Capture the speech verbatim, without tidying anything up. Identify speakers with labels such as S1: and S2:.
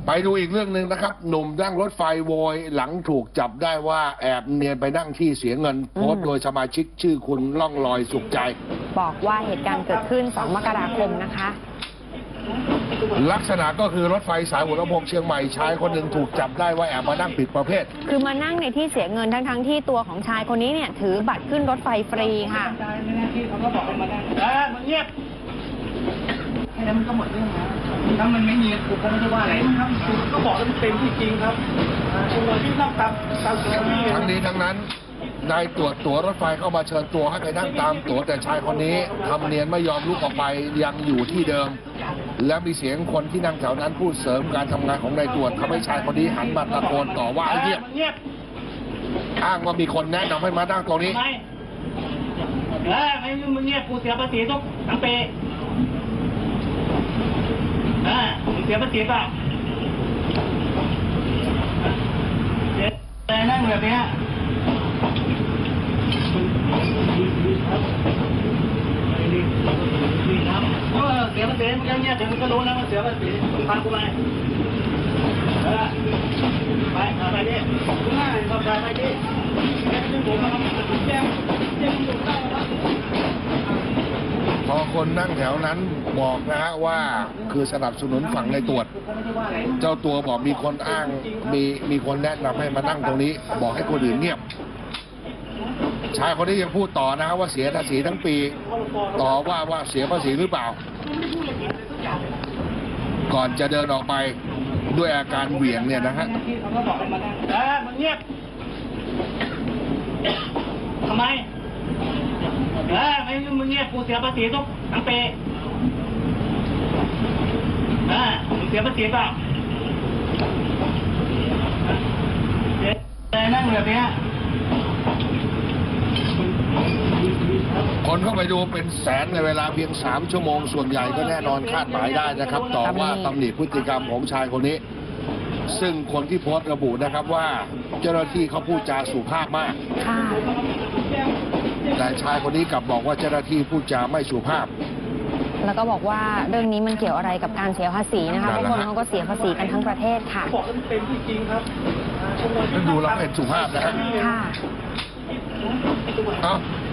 S1: ไปดูอีกเรื่องหนึ่งนะครับหนุ่มนั่งรถไฟโวยหลังถูกจับได้ว่าแอบเนียนไปนั่งที่เสียเงินโพสต์โดยสมาชิกชื่อคุณล่องลอยสุขใจ
S2: บอกว่าเหตุการณ์เกิดขึ้นสองมกราคมนะคะ
S1: ลักษณะก็คือรถไฟสายหัวลำโพงเชียงใหม่ชายคนหนึ่งถูกจับได้ว่าแอบมานั่งผิดประเภท
S2: คือมานั่งในที่เสียเงินทั้งทั้งที่ตัวของชายคนนี้เนี่ยถือบัตรขึ้นรถไฟฟรีค่ะ
S3: เขาก็บอกให้มานั่งเออมึงเงียบแค่นั้นมันก็หมดเรื่องแล้วถ้ามันไม่มีกูก็ไม่ได้ว่าอะไรครับก็บอกว่ามันเป็นที่จริงครับตัวที่นั่งตามตามตัวนี่
S1: ทั้งนี้ทั้งนั้นนายตรวจตั๋วรถไฟเข้ามาเชิญตัวให้ไปนั่งตามตั๋วแต่ชายคนนี้ทำเนียนไม่ยอมลุกออกไปยังอยู่ที่เดิมและมีเสียงคนที่นั่งแถวนั้นพูดเสริมการทำงานของนายตรวจทำให้ชายคนนี้หันมาตะโกนต่อว่าไอ้เงียบอ้างว่ามีคนแนะนำให้มานั่งตรงนี้
S3: เออไม่มึงเงียบกูเสียภาษีทุกทั้งปีเออมึงเสียภาษีเปล่าแต่นั่งแบบนี้เออเสียภาษีมึงเงียบเดี๋ยวมึงก็รู้แล้วว่าเสียภาษีมึงฟังกูไหมเออไปไปดิง่ายก็ไปดิแค่ที่ผมมาทำแจ้งแจ้งตำรวจได้ครับ
S1: พอคนนั่งแถวนั้นบอกนะฮะว่าคือสนับสนุนฝั่งในตรวจเจ้าตัวบอกมีคนอ้างมีมีคนแนะนำให้มานั่งตรงนี้บอกให้คนอื่นเงียบชายคนนี้ยังพูดต่อนะฮะว่าเสียภาษีทั้งปีต่อว่าว่าเสียภาษีหรือเปล่าก่อนจะเดินออกไปด้วยอาการเหวี่ยงเนี่ยนะฮะ
S3: เออมึงเงียบทำไมเออไม่มึงเงียบกูเสียภาษีทุกทั้งปีเออมึงเสียภาษีเปล่าแต่นั่งแบบนี้
S1: คนเข้าไปดูเป็นแสนในเวลาเพียงสามชั่วโมงส่วนใหญ่ก็แน่นอนคาดหมายได้นะครับต่อว่าตำหนิพฤติกรรมของชายคนนี้ซึ่งคนที่โพสต์ระบุนะครับว่าเจ้าหน้าที่เขาพูดจาสุภาพมากแต่ชายคนนี้กลับบอกว่าเจ้าหน้าที่พูดจาไม่สุภาพ
S2: แล้วก็บอกว่าเรื่องนี้มันเกี่ยวอะไรกับการเสียภาษีนะคะเพราะคนเขาก็เสียภาษีกันทั้งประเทศค่ะ
S3: บอกว่ามันเป็นที่จริงครับ
S1: ดูแล้วเป็นสุภาพนะฮะ
S2: ค่ะ